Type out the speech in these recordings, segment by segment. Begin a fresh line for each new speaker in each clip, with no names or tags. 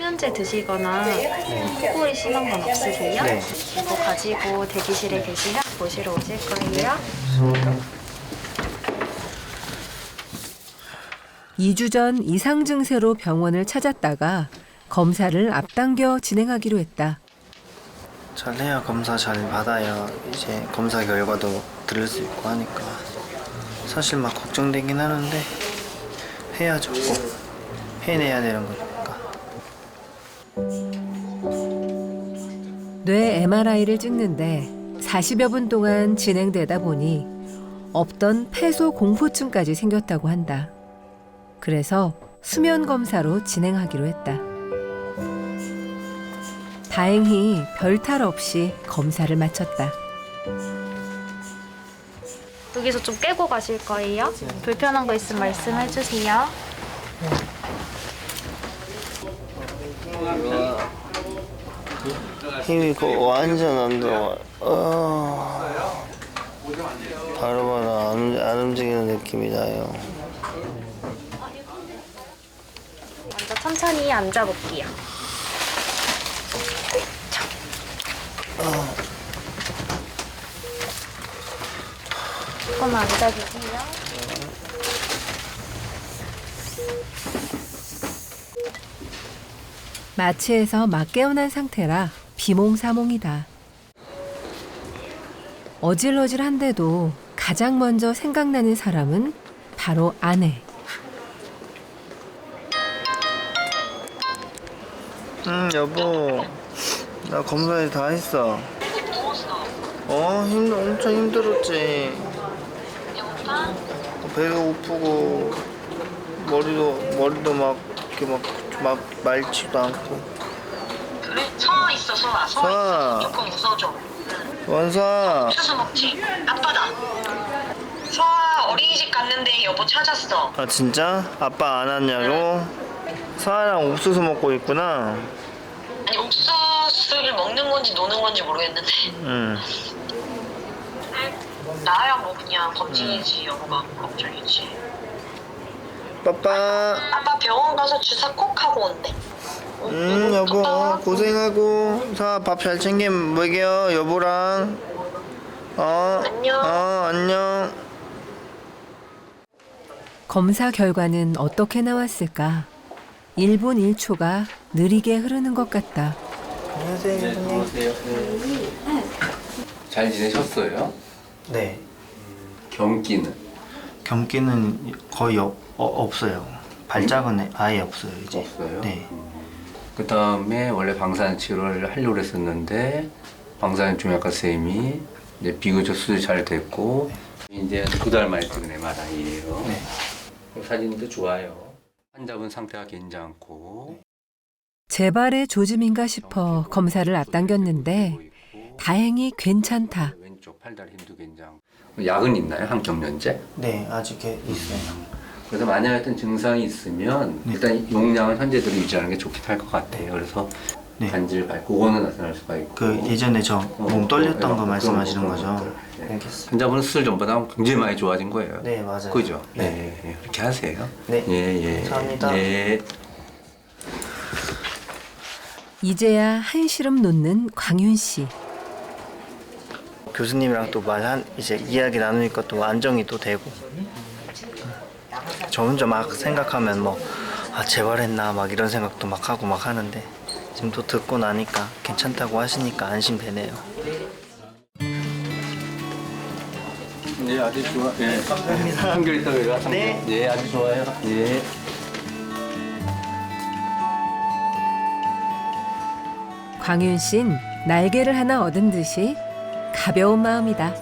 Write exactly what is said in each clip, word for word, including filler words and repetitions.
수면제 드시거나 코골이 심한 건 없으세요?
네.
이거 가지고 대기실에 계시면 보시러 오실 거예요.
이 주 전 이상 증세로 병원을 찾았다가 검사를 앞당겨 진행하기로 했다.
잘해야 검사 잘 받아야 이제 검사 결과도 들을 수 있고 하니까 사실 막 걱정되긴 하는데 해야죠. 꼭 해내야 되는 거니까.
뇌 엠알아이를 찍는데 사십여 분 동안 진행되다 보니 없던 폐소 공포증까지 생겼다고 한다. 그래서 수면 검사로 진행하기로 했다. 다행히 별탈 없이 검사를 마쳤다.
여기서 좀 깨고 가실 거예요? 불편한 거 있으면 말씀해 주세요.
힘이 거 완전 안 들어와. 어... 바로바로 안, 안 움직이는 느낌이 나요.
먼저 천천히 앉아볼게요. 조금만 앉아주세요.
마취에서 막 깨어난 상태라 비몽사몽이다. 어질어질한데도 가장 먼저 생각나는 사람은 바로 아내.
응 여보, 나 검사에 다 했어. 어 힘 엄청 힘들었지. 배가 고프고 머리도 머리도 막 이렇게 막 막 맑지도 않고.
그래? 서 있어, 서아. 서
서아.
있어. 조금 웃어줘.
원사.
옥수수 먹지? 아빠다. 서아 어린이집 갔는데 여보 찾았어.
아 진짜? 아빠 안 왔냐고? 서아랑 옥수수 먹고 있구나.
아니 옥수수를 먹는 건지 노는 건지 모르겠는데.
응.
나야 뭐 그냥 검진이지. 여보가 걱정이지.
빠빠.
아빠 병원 가서 주사 꼭 하고 온대.
응 여보 고생하고. 서아 밥 잘 챙겨 먹여 여보랑. 어.
안녕.
어 안녕.
검사 결과는 어떻게 나왔을까? 일 분 일 초가 느리게 흐르는 것 같다.
안녕하세요
네,
교수님.
안녕하세요. 네. 잘 지내셨어요?
네.
경기는?
경기는 거의 어, 어, 없어요. 발작은 아예 없어요 이제.
없어요?
네.
그 다음에 원래 방사선 치료를 하려고 했었는데 방사선 중약과 쌤이 이제 비교적 수술 잘 됐고 이제 두 달 만에 찍은 엠알아이예요.
네.
사진도 좋아요. 환자분 상태가 괜찮고
재발의 조짐인가 싶어 검사를 앞당겼는데 다행히 괜찮다.
왼쪽 팔다리 힘도 괜찮고. 약은 있나요? 항경련제?
네 아직 있어요.
그래서 만약에 어떤 증상이 있으면
네.
일단 용량은 현재대로 유지하는 게 좋긴 할 것 같아요. 그래서
네.
간질 밟고 그거는 나타날 수가 있고
그 예전에 저 몸
어,
떨렸던
어,
거
그런
말씀하시는
거,
거죠?
그런 것들. 네.
알겠습니다.
환자분은 수술 전보다 굉장히 많이 좋아진 거예요.
네 맞아요.
그죠?
네.
예, 예, 그렇게 하세요.
네.
예, 예.
감사합니다.
예.
이제야 한시름 놓는 광윤 씨.
교수님이랑 또 말한 이제 이야기 나누니까 또 안정이 또 되고. 저 혼자 막 생각하면 뭐 아 재발했나 막 이런 생각도 막 하고 막 하는데 지금 또 듣고 나니까 괜찮다고 하시니까 안심되네요.
네, 아주 좋아. 예.
감사합니다.
한결 있다가 내가
네.
네, 아주 좋아요. 예.
광윤 씨는 날개를 하나 얻은 듯이 가벼운 마음이다.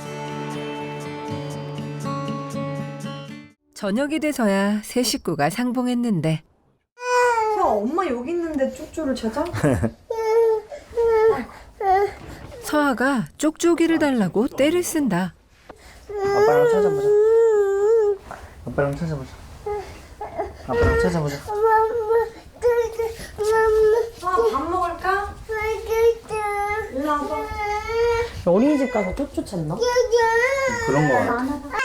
저녁이 돼서야 새 식구가 상봉했는데
야, 엄마 여기 있는데 쪽쪽을 찾아?
서아가 쪽쪽이를 달라고 떼를 쓴다.
아빠랑 찾아보자. 아빠랑 찾아보자. 아빠랑 찾아보자.
아, 밥 먹을까? 일로 와봐. 어린이집 가서 쪽쪽 찾나?
그런 거 같아.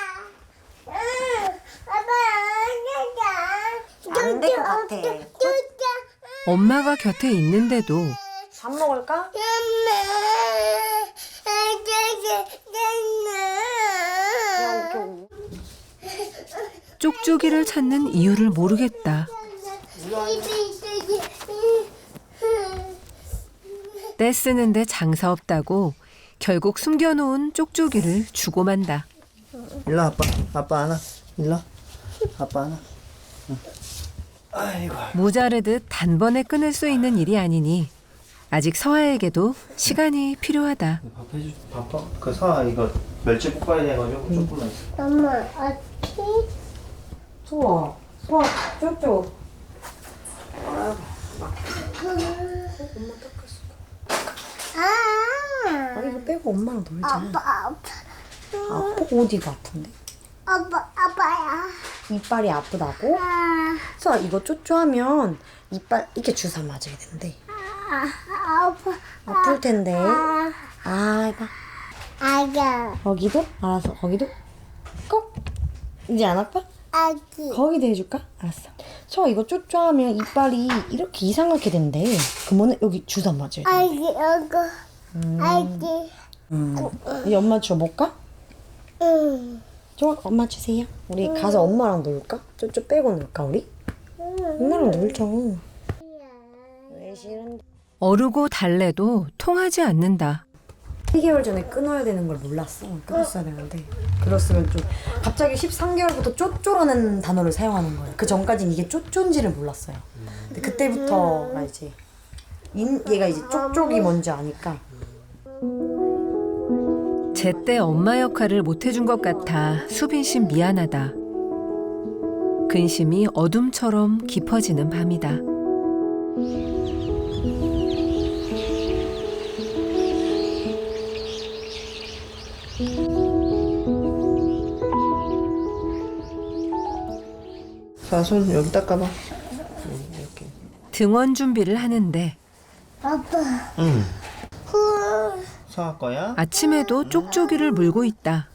안 될 것 같아.
엄마가 곁에 있는데도
밥 먹을까?
쪽쪽이를 찾는 이유를 모르겠다. 떼쓰는데 장사 없다고 결국 숨겨놓은 쪽쪽이를 주고 만다.
일로 아빠. 아빠 하나. 일로. 아빠 하나. 응. 아이고.
모자르듯 단번에 끊을 수 있는 일이 아니니 아직 서아에게도 시간이 필요하다.
밥 해주. 바빠. 그 서아 이거 멸치 볶아야 돼가지고 조금만 있어.
엄마, 어떻게?
소아, 소아, 쪼쪼.
아,
아니, 이거 빼고 엄마랑 놀자.
아빠, 아빠,
아파? 어디가 아픈데?
아빠, 아빠야.
이빨이 아프다고?
아,
소아, 이거 쪼쪼하면 이빨 이렇게 주사 맞아야 된대.
아, 아파.
아플 텐데.
아,
아, 해봐.
아가,
거기도? 알았어, 거기도? 꼭? 이제 안 아파?
아기.
거기도 해줄까? 알았어. 소아, 이거 쪼쪼하면 이빨이 이렇게 이상하게 된대. 그러면 여기 주사 맞아야 돼.
아기, 아가, 아기.
음. 이제 엄마 줘볼까?
응.
좋아, 엄마 주세요. 우리 가서 엄마랑 놀까? 쪼쪼 빼고 놀까, 우리? 엄마랑 놀자. 왜 싫은데?
어르고 달래도 통하지 않는다.
일 개월 전에 끊어야 되는 걸 몰랐어. 끊었어야 되는데. 그랬으면 좀 갑자기 십삼 개월부터 쪼쪼라는 단어를 사용하는 거예요. 그 전까지는 이게 쪼쪼인지를 몰랐어요. 근데 그때부터가 이제 인, 얘가 이제 쪽쪽이 뭔지 아니까.
제때 엄마 역할을 못해준 것 같아 수빈 씨 미안하다. 근심이 어둠처럼 깊어지는 밤이다.
서아 손 여기 닦아봐. 이렇게.
등원 준비를 하는데
아빠,
응.
후.
서아 거야?
아침에도 쪽쪽이를 물고 있다.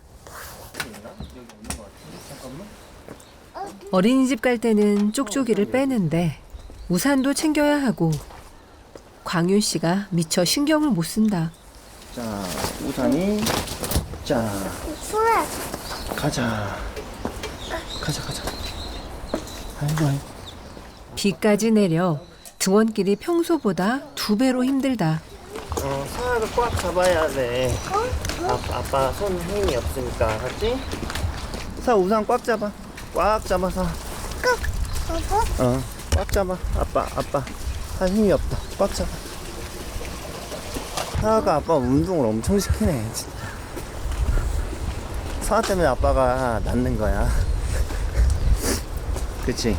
어린이집 갈 때는 쪽쪽이를 빼는데 우산도 챙겨야 하고 광윤 씨가 미처 신경을 못 쓴다.
자, 우산이. 자,
수아,
가자. 가자, 가자. 아이고, 아이고.
비까지 내려 등원길이 평소보다 두 배로 힘들다.
어, 서아를 꽉 잡아야 돼. 아, 아빠 손 힘이 없으니까, 알았지? 서아 우산 꽉 잡아. 꽉 잡아서.
아빠,
어, 꽉 잡아. 아빠, 아빠. 할 힘이 없다. 꽉 잡아. 서아가 아빠 운동을 엄청 시키네. 진짜. 서아 때문에 아빠가 낫는 거야. 그치?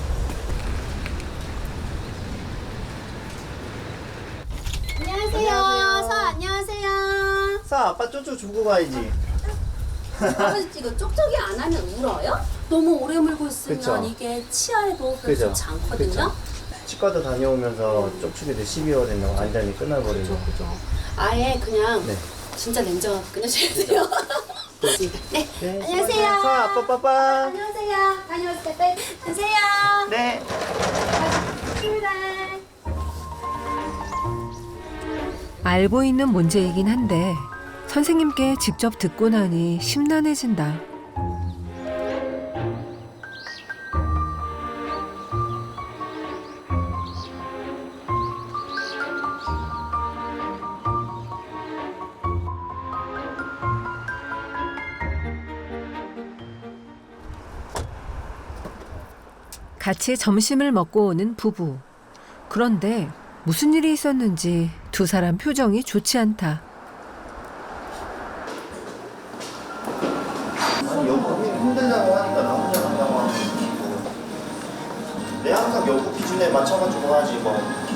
안녕하세요. 서 안녕하세요.
서아 아빠 쪼쪼 주고 가야지.
아버지 이거 쪽쪽이 안 하면 울어요? 너무 오래 물고 있으면
그쵸.
이게 치아에도 별로
그죠.
좋지 않거든요.
그쵸. 치과도 다녀오면서 쪽쪽이도 십이 월 된다고 완전히 끊어버리고.
그죠. 아예 그냥
네.
진짜 냉정하게 끊으셔야 돼요. 네.
네.
안녕하세요.
서아 아빠 빠빠.
안녕하세요. 다녀오세요. 네. 안녕하세요.
네.
출발.
알고 있는 문제이긴 한데 선생님께 직접 듣고 나니 심란해진다. 같이 점심을 먹고 오는 부부. 그런데 무슨 일이 있었는지 두 사람 표정이 좋지 않다.
아니 여보 힘들다고 하니까 나 혼자 간다고 하는 거지. 내 항상 여보 기준에 맞춰가지고 하지 뭐.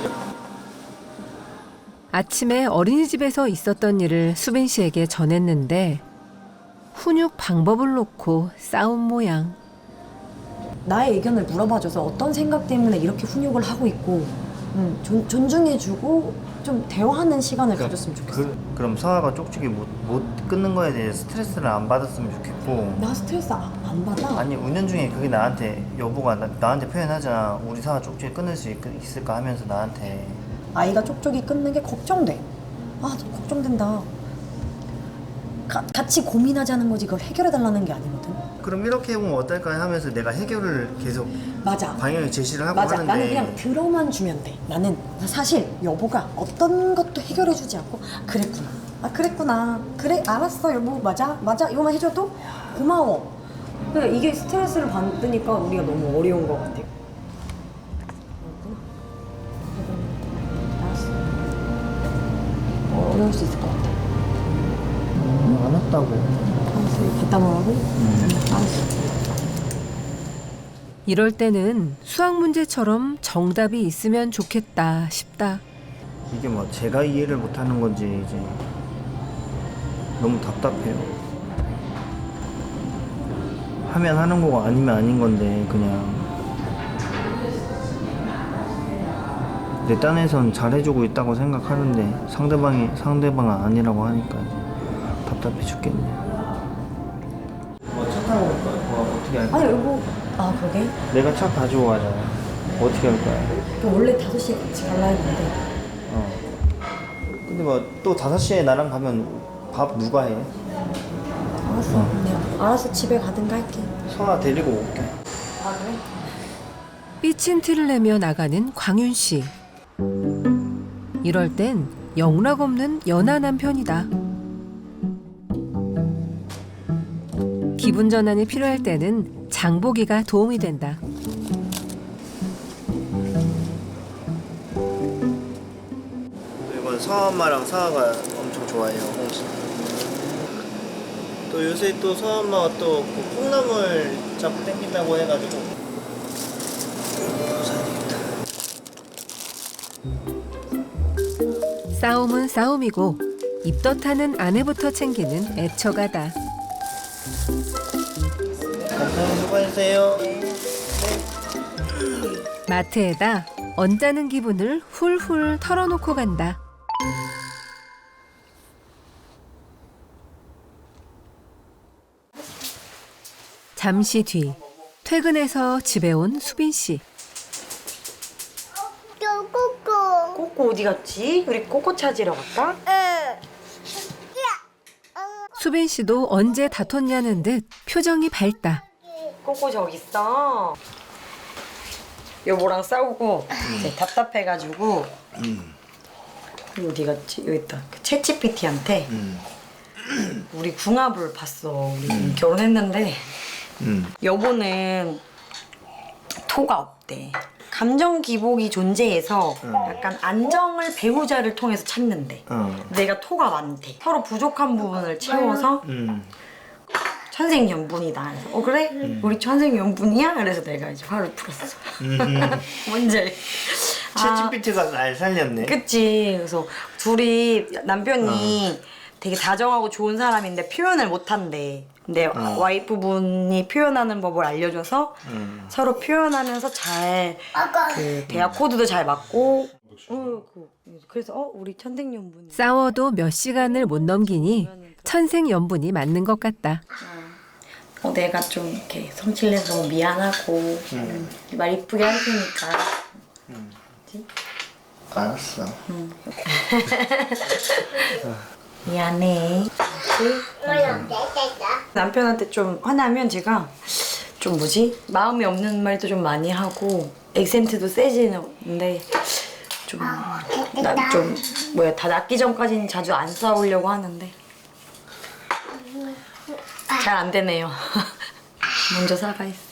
아침에 어린이집에서 있었던 일을 수빈 씨에게 전했는데 훈육 방법을 놓고 싸운 모양.
나의 의견을 물어봐줘서 어떤 생각 때문에 이렇게 훈육을 하고 있고 음, 존, 존중해주고 좀 대화하는 시간을 가졌으면 좋겠어.
그, 그럼 서아가 쪽쪽이 못, 못 끊는 거에 대해 스트레스를 안 받았으면 좋겠고.
나 스트레스 안, 안 받아.
아니 은연중에 그게 나한테 여보가 나, 나한테 표현하잖아. 우리 사과 쪽쪽이 끊을 수 있, 있을까 하면서 나한테.
아이가 쪽쪽이 끊는 게 걱정돼. 아, 좀 걱정된다. 가, 같이 고민하자는 거지 그걸 해결해달라는 게 아니거든.
그럼 이렇게 해보면 어떨까 하면서 내가 해결을 계속
맞아.
방향을 제시를 하고
맞아.
하는데
나는 그냥 들어만 주면 돼. 나는 사실 여보가 어떤 것도 해결해주지 않고 그랬구나. 아 그랬구나. 그래 알았어 여보. 맞아 맞아 이거만 해줘도 고마워. 근데 이게 스트레스를 받으니까 우리가 너무 어려운 것 같아. 알았어. 어, 어려울 수 있을 것 같아.
음, 안 왔다고.
알았어. 갖다 놓으라고? 응. 알았어.
이럴 때는 수학 문제처럼 정답이 있으면 좋겠다 싶다.
이게 뭐 제가 이해를 못하는 건지 이제 너무 답답해요. 하면 하는 거고 아니면 아닌 건데 그냥 내 딴에선 잘해주고 있다고 생각하는데 상대방이 상대방은 아니라고 하니까 이제 답답해 죽겠네. 뭐차 타고 올 거야? 뭐 어떻게 할 거야?
아니 여보. 아 그러게?
내가 차 가지고 가잖아. 어떻게 할 거야?
그 원래 다섯 시에 같이 갈라 했는데.
어. 근데 뭐 또 다섯 시에 나랑 가면 밥 누가 해?
알았어.
어.
내가 알아서 집에 가든가 할게.
성아 데리고 올게.
아 그래?
삐친 티를 내며 나가는 광윤 씨. 이럴 땐 영락 없는 연하 남편이다. 기분 전환이 필요할 때는 장보기가 도움이 된다.
이건 서아 엄마랑 사아가 엄청 좋아해요. 홍시. 또 요새 또 서아 엄마가 또 그 콩나물 자꾸 땡긴다고 해가지고. 이거 사야 되겠다.
싸움은 싸움이고 입덧하는 아내부터 챙기는 애처가다.
감사합니다. 수고하세요.
마트에다 언짢은 기분을 훌훌 털어놓고 간다. 잠시 뒤 퇴근해서 집에 온 수빈 씨.
꼬꼬.
꼬꼬 어디 갔지? 우리 꼬꼬 찾으러 갈까?
수빈 씨도 언제 다퉜냐는 듯 표정이 밝다.
꼬꼬 저기 있어. 여보랑 싸우고 이제 답답해가지고 어디 갔지? 여기 있다. 그 챗지피티한테 우리 궁합을 봤어. 우리 결혼했는데
음.
여보는 토가 없대. 감정 기복이 존재해서 약간 안정을 배우자를 통해서 찾는데
어.
내가 토가 많대. 서로 부족한 부분을 채워서
음.
천생연분이다. 그래서 어 그래? 우리 천생연분이야? 그래서 내가 이제 화를 풀었어. 뭔지 알지?
챗지피티가 날 살렸네.
그치. 그래서 둘이 남편이 되게 다정하고 좋은 사람인데 표현을 못한대. 근데
어.
와이프분이 표현하는 법을 알려줘서
음.
서로 표현하면서 잘 그 대화 코드도 잘 맞고 어, 그, 그래서 어 우리 천생연분.
싸워도 몇 시간을 못 넘기니 천생연분이 맞는 것 같다.
어 내가 좀 이렇게 성질내서 너무 미안하고 음. 말 이쁘게 할 테니까.
음.
그치?
알았어.
응. 미안해. 남편한테 좀 화나면 제가 좀 뭐지? 마음이 없는 말도 좀 많이 하고 액센트도 세지는데 좀 나 좀 뭐야 다 낫기 전까지는 자주 안 싸우려고 하는데 잘 안 되네요. 먼저 사과했어.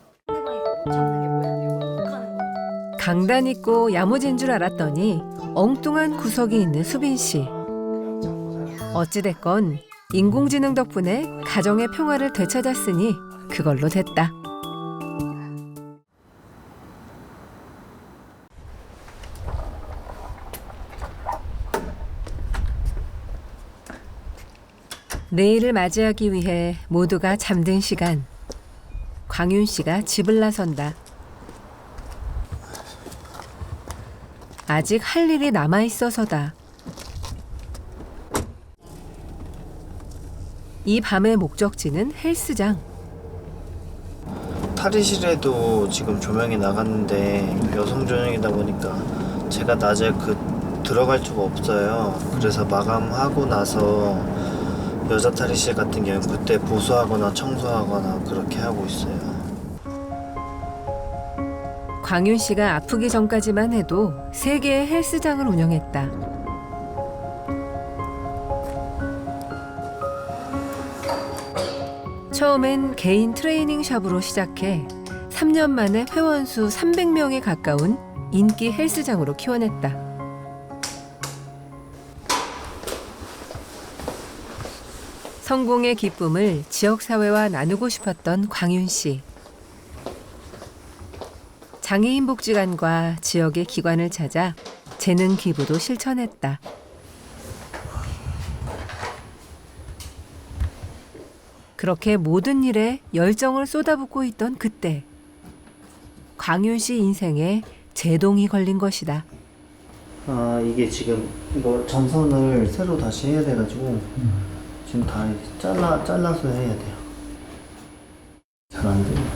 강단 있고 야무진 줄 알았더니 엉뚱한 구석이 있는 수빈 씨. 어찌됐건 인공지능 덕분에 가정의 평화를 되찾았으니 그걸로 됐다. 내일을 맞이하기 위해 모두가 잠든 시간. 광윤 씨가 집을 나선다. 아직 할 일이 남아 있어서다. 이 밤의 목적지는 헬스장.
탈의실에도 지금 조명이 나갔는데 여성 전용이다 보니까 제가 낮에 그 들어갈 수가 없어요. 그래서 마감하고 나서 여자 탈의실 같은 경우는 그때 보수하거나 청소하거나 그렇게 하고 있어요.
광윤 씨가 아프기 전까지만 해도 세 개의 헬스장을 운영했다. 처음엔 개인 트레이닝 샵으로 시작해 삼 년 만에 회원 수 삼백 명에 가까운 인기 헬스장으로 키워냈다. 성공의 기쁨을 지역사회와 나누고 싶었던 광윤 씨. 장애인 복지관과 지역의 기관을 찾아 재능 기부도 실천했다. 그렇게 모든 일에 열정을 쏟아붓고 있던 그때 광윤 씨 인생에 제동이 걸린 것이다.
아 이게 지금 이거 전선을 새로 다시 해야 돼가지고 지금 다 이렇게 잘라 잘라서 해야 돼요. 잘 안 돼요.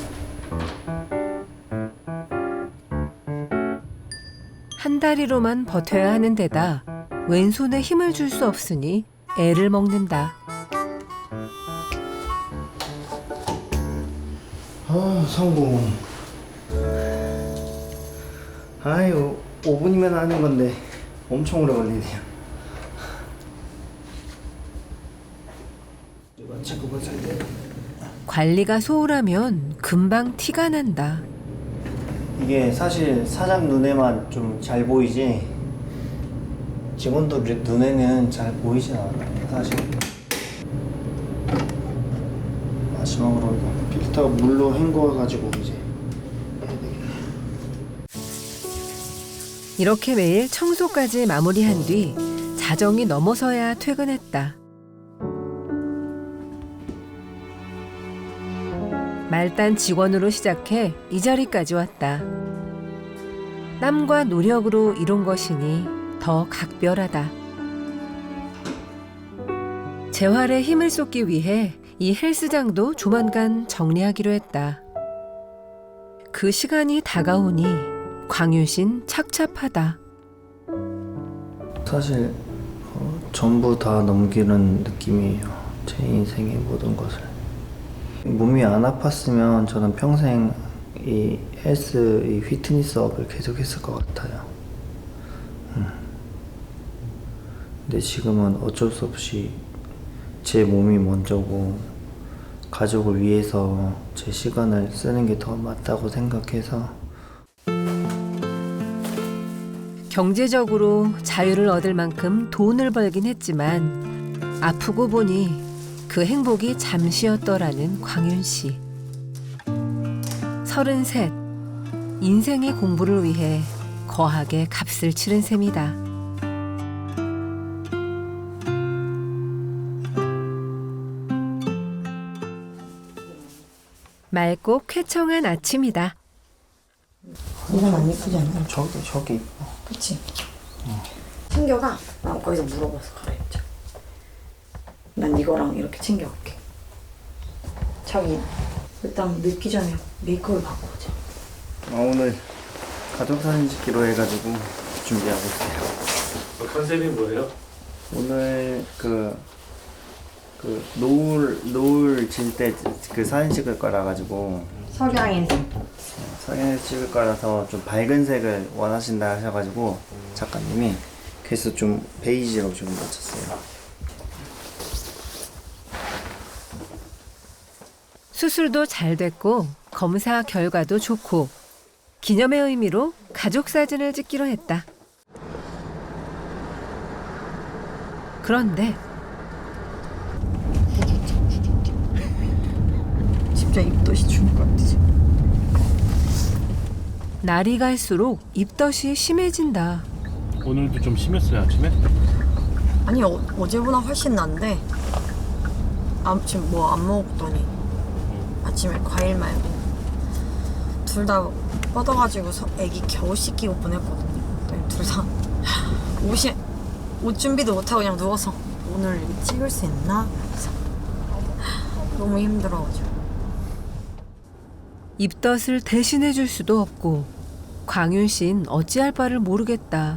한 다리로만 버텨야 하는 데다 왼손에 힘을 줄 수 없으니 애를 먹는다.
아 성공. 아유 오 분이면 하는 건데 엄청 오래 걸리네요.
관리가 소홀하면 금방 티가 난다.
이게 사실 사장 눈에만 좀 잘 보이지 직원들 눈에는 잘 보이진 않아요 사실. 마지막으로 필터 물로 헹궈가지고 이제 해야 되겠네.
이렇게 매일 청소까지 마무리한 뒤 자정이 넘어서야 퇴근했다. 말단 직원으로 시작해 이 자리까지 왔다. 땀과 노력으로 이룬 것이니 더 각별하다. 재활에 힘을 쏟기 위해 이 헬스장도 조만간 정리하기로 했다. 그 시간이 다가오니 광윤신 착잡하다.
사실 어, 전부 다 넘기는 느낌이에요. 제 인생의 모든 것을. 몸이 안 아팠으면 저는 평생 이 헬스, 이 피트니스업을 계속했을 것 같아요. 음. 근데 지금은 어쩔 수 없이 제 몸이 먼저고 가족을 위해서 제 시간을 쓰는 게 더 맞다고 생각해서.
경제적으로 자유를 얻을 만큼 돈을 벌긴 했지만 아프고 보니 그 행복이 잠시였더라는 광윤 씨. 서른셋, 인생의 공부를 위해 거하게 값을 치른 셈이다. 맑고 쾌청한 아침이다.
이건 안 예쁘지 않냐?
저기 저기 이뻐.
그치? 어. 챙겨가. 난 거기서 물어봐서 갈아입자. 난 이거랑 이렇게 챙겨갈게. 자기 일단 늦기 전에 메이크업을 바꿔보자.
아, 오늘 가족사진 찍기로 해가지고 준비하고 있어요.
컨셉이 뭐예요?
오늘 그, 그 노을 노을 질 때 그 사진 찍을 거라 가지고
석양인생.
사진을 찍을 거라서 좀 밝은 색을 원하신다 하셔가지고 작가님이 그래서 좀 베이지로 좀 맞췄어요.
수술도 잘 됐고 검사 결과도 좋고 기념의 의미로 가족 사진을 찍기로 했다. 그런데
진짜 입덧이 죽을 것 같지?
날이 갈수록 입덧이 심해진다.
오늘도 좀 심했어요 아침에?
아니 어, 어제보다 훨씬 난데 아, 지금 뭐 안 먹었더니 아침에 과일 말고 둘 다 뻗어가지고 서, 애기 겨우 씻기고 보냈거든요. 둘 다 옷이 옷 준비도 못하고 그냥 누워서 오늘 찍을 수 있나? 그래서 너무 힘들어가지고.
입덧을 대신해 줄 수도 없고 광윤 씨는 어찌할 바를 모르겠다.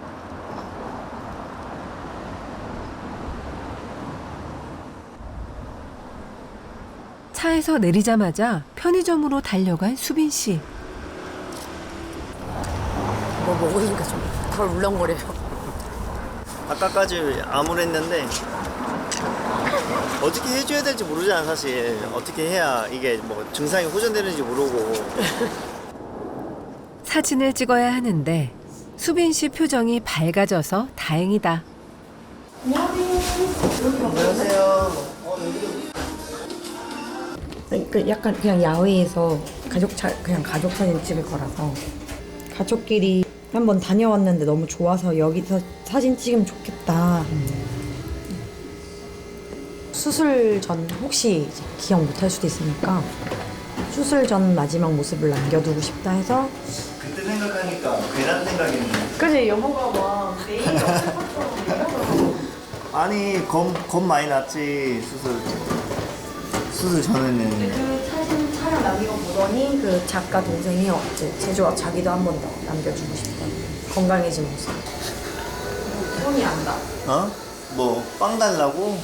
차에서 내리자마자 편의점으로 달려간 수빈 씨.
뭐 먹으니까 좀 덜 울렁거려요.
아까까지 암울했는데 어떻게 해줘야 될지 모르잖아 사실. 어떻게 해야 이게 뭐 증상이 호전되는지 모르고.
사진을 찍어야 하는데 수빈 씨 표정이 밝아져서 다행이다.
안녕하세요.
그 약간 그냥 야외에서 가족 차, 그냥 가족 사진 찍을 거라서 가족끼리 한번 다녀왔는데 너무 좋아서 여기서 사진 찍으면 좋겠다. 수술 전 혹시 이제 기억 못할 수도 있으니까 수술 전 마지막 모습을 남겨두고 싶다 해서.
그때 생각하니까 괜한 생각이네.
그지 여보가 막 내일
아니 겁, 겁 많이 났지 수술 수술 전에는.
그 사진 촬영 남긴 거 보더니 그 작가 동생이 어째 제주와 자기도 한 번 더 남겨주고 싶다. 건강해진 모습. 손이 안 나.
어? 뭐 빵 달라고?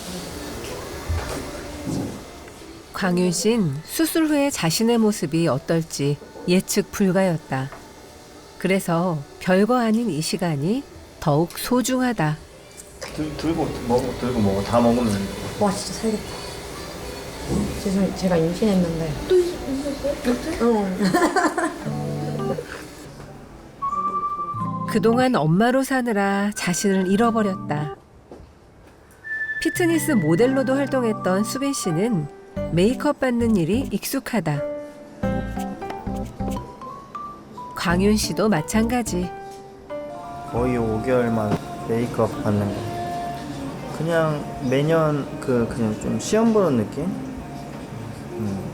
광윤 씨는 수술 후에 자신의 모습이 어떨지 예측 불가였다. 그래서 별거 아닌 이 시간이 더욱 소중하다.
들, 들고 먹어 들고 먹어 다 먹으면.
와 진짜 살겠다. 죄송해요. 제가 임신했는데. 또 임신했어요? 응.
그동안 엄마로 사느라 자신을 잃어버렸다. 피트니스 모델로도 활동했던 수빈 씨는 메이크업 받는 일이 익숙하다. 광윤 씨도 마찬가지.
거의 오 개월만 메이크업 받는 거. 그냥 매년 그 그냥 좀 시험 보는 느낌? 음.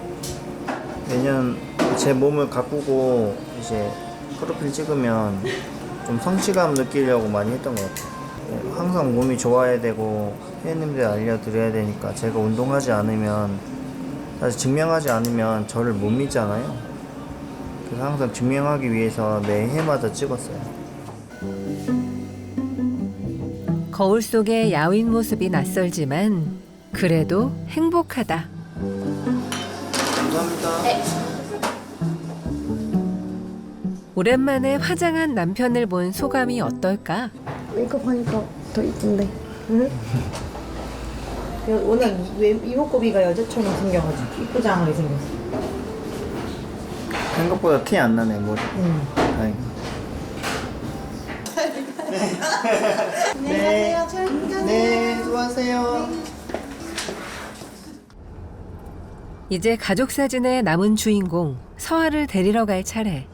매년 제 몸을 가꾸고 이제 프로필 찍으면 좀 성취감 느끼려고 많이 했던 것 같아요. 항상 몸이 좋아야 되고 회원님들 알려드려야 되니까 제가 운동하지 않으면 사실 증명하지 않으면 저를 못 믿잖아요. 그래서 항상 증명하기 위해서 매 해마다 찍었어요.
거울 속의 야윈 모습이 낯설지만 그래도 행복하다.
감사합니다.
네.
오랜만에 화장한 남편을 본 소감이 어떨까?
메이크업 하니까 더 이쁜데. 응? 오늘 왜 이목구비가 여자처럼 생겨가지고 이쁘장하게 생겼어.
생각보다 티 안 나네 머리.
응.
다행이다. 네. 안녕하세요. 네, 수고하세요.
이제 가족 사진의 남은 주인공 서아를 데리러 갈 차례.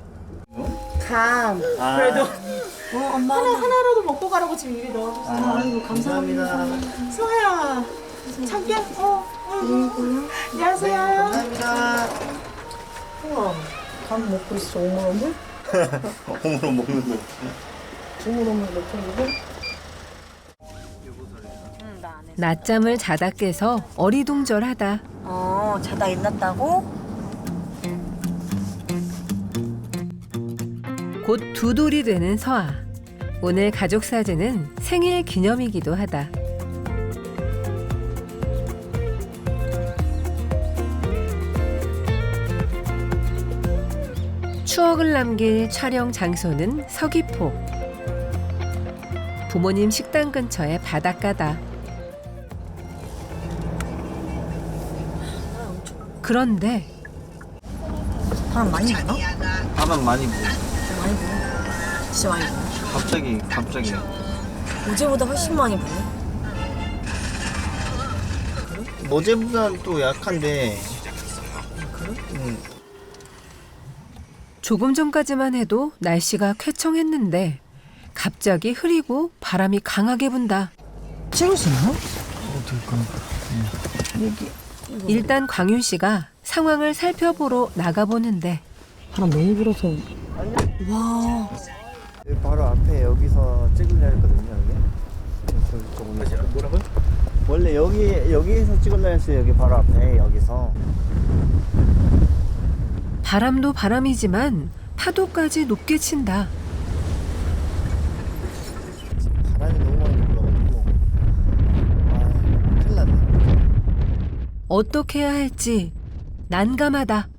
감.
아,
그래도 어, 엄마 하나 하나라도 먹고 가라고 지금 입에 넣어줬어.
아, 아이고, 감사합니다.
소아야. 참깨. 어. 어. 안녕하세요.
감사합니다.
우와. 감 먹고 있어. 오물오물.
홈으로 먹는 거.
오물오물 먹고
낮잠을 자다 깨서 어리둥절하다.
어, 자다 일어났다고?
곧 두 돌이 되는 서아. 오늘 가족 사진은 생일 기념이기도 하다. 추억을 남길 촬영 장소는 서귀포. 부모님 식당 근처의 바닷가다. 그런데
바람 많이 부나?
가방 많이 부어.
많이 부네. 진짜 많이 부네.
갑자기 갑자기.
어제보다 훨씬 많이 부네.
어제보다는 또 약한데.
그래?
응.
조금 전까지만 해도 날씨가 쾌청했는데 갑자기 흐리고 바람이 강하게 분다.
찍을 수 있나?
일단 광윤 씨가 상황을 살펴보러 나가보는데
바람 너무 불어서. 와.
여기 바로 앞에 여기서 찍으려 했거든요. 여기. 뭐라고요? 원래 여기 여기에서 찍으려 했어요. 여기 바로 앞에 여기서.
바람도 바람이지만 파도까지 높게 친다.
바람이 너무 많이 불어가지고 아 큰일 났네.
어떻게 해야 할지 난감하다.